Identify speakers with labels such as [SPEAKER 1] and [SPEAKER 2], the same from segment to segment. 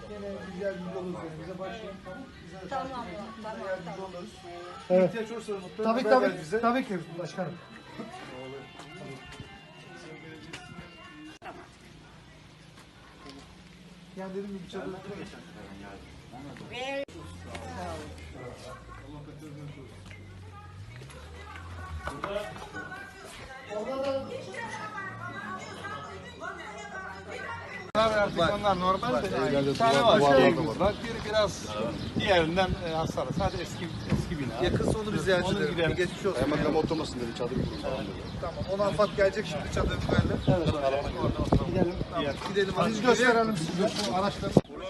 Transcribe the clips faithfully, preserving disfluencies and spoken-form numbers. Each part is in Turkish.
[SPEAKER 1] Yine biz yardımcı oluruz yani. Bize başlayın. Tamam. Bize
[SPEAKER 2] Tamam,
[SPEAKER 1] Bize
[SPEAKER 2] tamam,
[SPEAKER 1] yardımcı
[SPEAKER 2] tamam.
[SPEAKER 1] oluruz.
[SPEAKER 3] Evet.
[SPEAKER 1] İhtiyaç olursa mutlaka
[SPEAKER 3] Tabii
[SPEAKER 1] haber
[SPEAKER 3] tabii.
[SPEAKER 1] ver bize.
[SPEAKER 3] Tabii ki başkanım.
[SPEAKER 1] Yani dedim gibi çadır.
[SPEAKER 2] Ve
[SPEAKER 4] Artık onlar normal de. Bir tane var. Bak biri biraz diğerinden e, hasarlı. Sadece eski eski bina.
[SPEAKER 1] Yakınsa onu bir ziyaret
[SPEAKER 4] Onu
[SPEAKER 1] edelim.
[SPEAKER 4] gidelim.
[SPEAKER 1] Bir geçmiş olsun.
[SPEAKER 5] Hemen tam oturmasın dedi çadır kurun falan dedi.
[SPEAKER 1] Tamam. Ona AFAD gelecek şimdi çadır verelim.
[SPEAKER 4] Evet. Gidelim. Diğer.
[SPEAKER 1] Gidelim.
[SPEAKER 3] Biz gösterelim size bu araçları.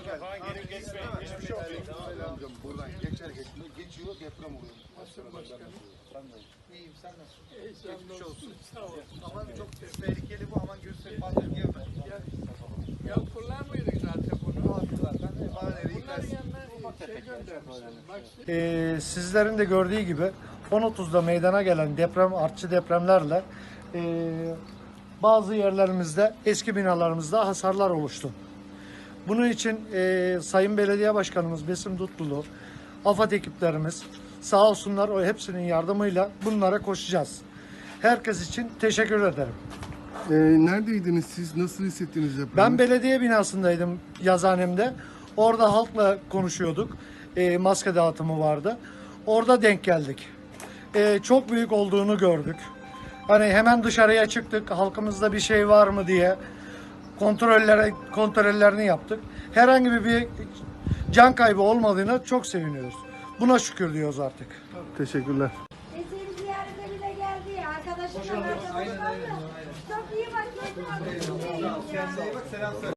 [SPEAKER 5] Amcam buradan geçer geçmiyor. Geçiyor deprem oluyor.
[SPEAKER 1] İyiyim sen nasılsın? Geçmiş olsun. Aman çok tehlikeli bu, aman gösterip fazla girme.
[SPEAKER 6] Ya kullanmıyorduk zaten bunu.
[SPEAKER 1] Zaten bahaneleri
[SPEAKER 6] Bunların
[SPEAKER 1] yıkarsın.
[SPEAKER 6] yanına şey göndermişler. Bak
[SPEAKER 3] Ee, sizlerin de gördüğü gibi on otuzda meydana gelen deprem, artçı depremlerle e, bazı yerlerimizde, eski binalarımızda hasarlar oluştu. Bunun için e, Sayın Belediye Başkanımız Besim Dutlulu, AFAD ekiplerimiz sağ olsunlar, o hepsinin yardımıyla bunlara koşacağız. Herkes için teşekkür ederim.
[SPEAKER 5] Ee, neredeydiniz siz? Nasıl hissettiniz depremi?
[SPEAKER 3] Ben belediye binasındaydım, yazhanemde. Orada halkla konuşuyorduk. E, maske dağıtımı vardı. Orada denk geldik. E, çok büyük olduğunu gördük. Hani hemen dışarıya çıktık. Halkımızda bir şey var mı diye kontrollere kontrollerini yaptık. Herhangi bir can kaybı olmadığına çok seviniyoruz. Buna şükür diyoruz artık.
[SPEAKER 5] Teşekkürler.
[SPEAKER 2] e, seni ziyarete bile geldi ya. Arkadaşımla arkadaşlar. Çok iyi bak. Çok iyi.
[SPEAKER 1] Kendine iyi bak, selam söyle.